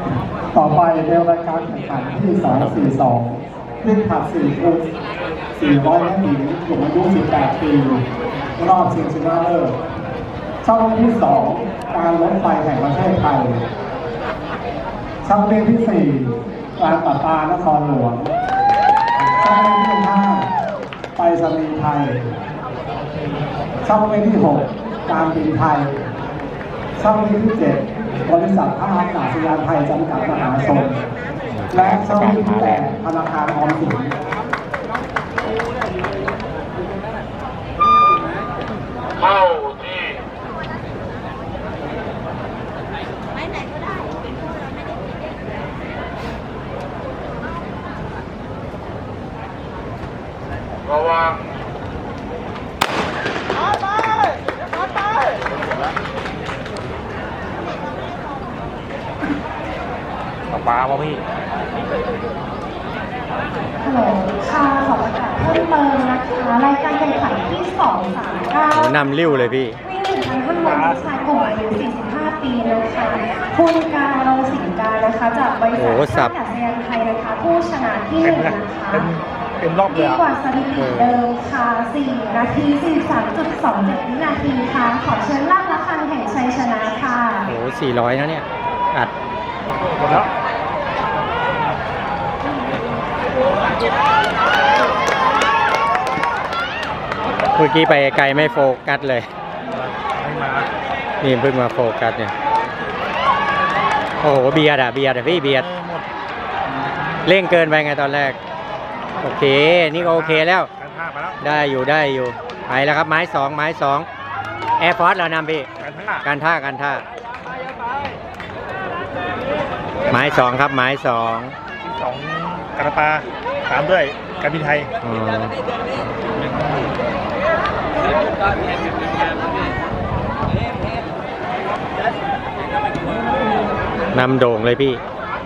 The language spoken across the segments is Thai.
ต่อไปในรายการแข่งขันที่242วิ่งผลัด4 คูณ 400 เมตรหญิงกลุ่มอายุ 18 ปี รอบชิงชนะเลิศช่องที่ 2 การรถไฟแห่งประเทศไทยช่องที่ 4 การประปานครหลวงช่องที่ 5 ไปรษณีย์ไทยช่องที่ 6 การบินไทยช่องที่ 7 บริษัทท่าอากาศยานไทยจำกัดมหาชนและช่องที่ 8 ธนาคารออมสินเข้าที่ระวังปลาป่ะพี่ฮัลโหลค่ะขอประกาศเพิ่มเติมนะคะรายการแข่งขันที่239 นำริ้วเลยพี่วิ่ง1,500ชายกลุ่มอายุ45 ปีนะคะคุณการเราสิงการนะคะจากบริษัทท่าอากาศยานไทยนะคะผู้ชนะที่1นะคะเป็นรอบเลยดีกว่าสถิติเดิมค่ะ4 นาที 43.27 วินาทีค่ะขอเชิญล่าระฆังแห่งชัยชนะค่ะโอ้โห400นะเนี่ยอัดหมดแล้วเมื่อกี้ไปไกลไม่โฟกัสเลยไม่มานี่เพิ่งมาโฟกัสเนี่ยโอ้โหเบียดอะพี่เบียดเร่งเกินไปไงตอนแรกโอเคนี่ก็โอเคแล้วได้อยู่ไปแล้วครับไม้2แอร์ฟอร์สเรานำพี่การท่าไม้2ครับไม้2 การปาตามด้วยการบินไทยนำโด่งเลยพี่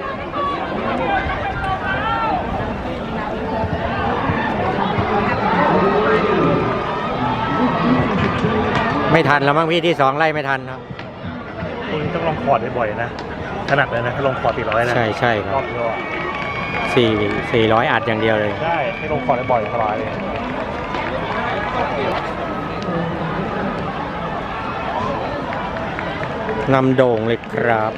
ไม่ทันแล้วมั้งพี่ที่2ไล่ไม่ทันครับคุณต้องลองคอร์ดบ่อยๆนะถนัดเลยนะลงคอร์ด400นะใช่ครับ400อัดอย่างเดียวเลยใช่ให้ลงคอร์ดบ่อยสบายเลยนำโด่งเลยครับ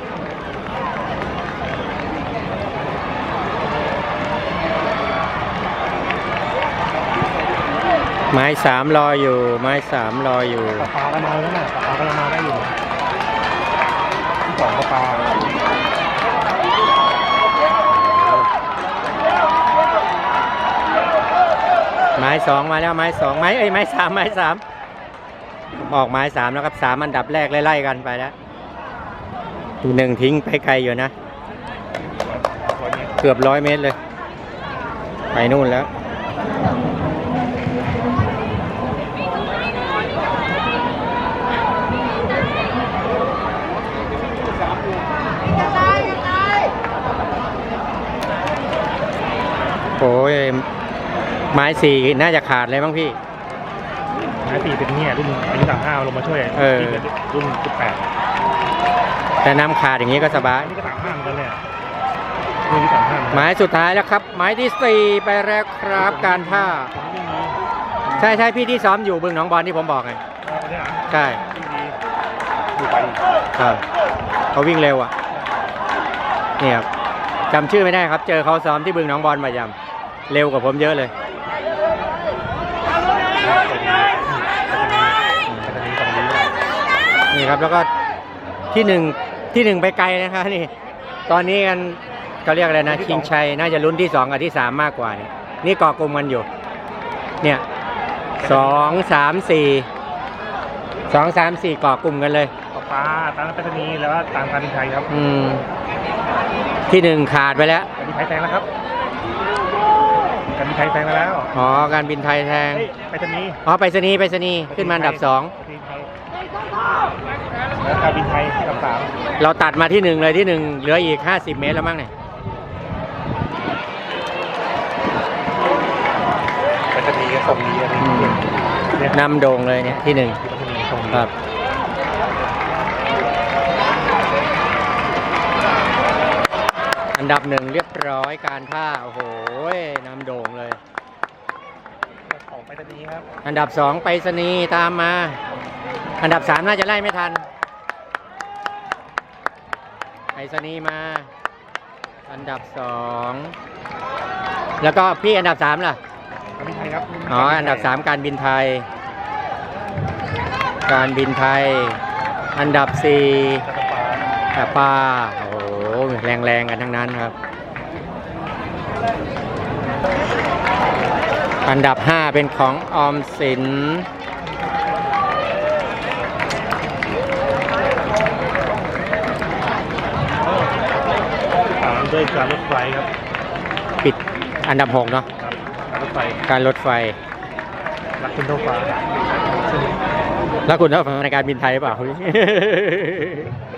ไม้3รออยู่ปลากระมาแล้วนะปลากระมาได้อยู่ที่2ปลาไม้2มาแล้วไม้2ไม้3ออกไม้3แล้วครับ3อันดับแรกไล่ๆกันไปแล้ว1ทิ้งไปไกลอยู่นะเกือบ100 เมตรเลยไปนู่นแล้วโอ้ยไม้4น่าจะขาดเลยมั้งพี่ไม้4เป็นเนี่ยรุ่นอายุ35ลงมาช่วยรุ่น18 แต่น้ำขาดอย่างนี้ก็สบายนี่ก็35เหมือนกันเลยรุ่นที่35 ไม้สุดท้ายแล้วครับไม้ที่4ไปแล้วครับการท่าใช่พี่ที่ซ้อมอยู่บึงหนองบอลที่ผมบอกไงใช่ครับเขาวิ่งเร็วอ่ะเนี่ยครับจำชื่อไม่ได้ครับเจอเขาซ้อมที่บึงหนองบอลประจำเร็วกว่าผมเยอะเลยนี่ครับแล้วก็ที่1ไปไกลนะคะนี่ตอนนี้กันเขาเรียกอะไรนะชิงชัยน่าจะลุ้นที่2กับที่3มากกว่านี่เกาะกลุ่มกันอยู่เนี่ย2 3 4เกาะกลุ่มกันเลยปลาตามไปรษณีย์แล้วตามการบินไทยครับที่1ขาดไปแล้วการบินไทยแทงแล้วครับการบินไทยแทงแล้วอ๋อการบินไทยแทงไปรษณีย์ไปรษณีย์ขึ้นมาอันดับ2 แล้วการบินไทยอันดับ3 เราตัดมาที่1เลยที่1เหลืออีก50 เมตรแล้วมั้งเนี่ยไปรษณีย์ก็ส่งดีนำโด่งเลยเนี่ยที่1ครับอันดับหนึ่งเรียบร้อยการท่าโอ้โหนำโด่งเลยของไปตอนนี้ครับอันดับสองไปรษณีย์ตามมา อันดับสามน่าจะไล่ไม่ทันไปรษณีย์มา อันดับสองแล้วก็พี่อันดับสามล่ะการบินไทยครับอ๋ออันดับสามการบินไทย การบินไทย อันดับสี่จักรปาแต่ป้าโอ้โหแรงๆกันทั้งนั้นครับ อันดับ5เป็นของออมสินตามด้วยการรถไฟครับปิดอันดับ6เนาะครับการรถไฟการรถไฟรักคุณเท่าฟ้าแล้วคุณเท่าในการบินไทยหรือเปล่า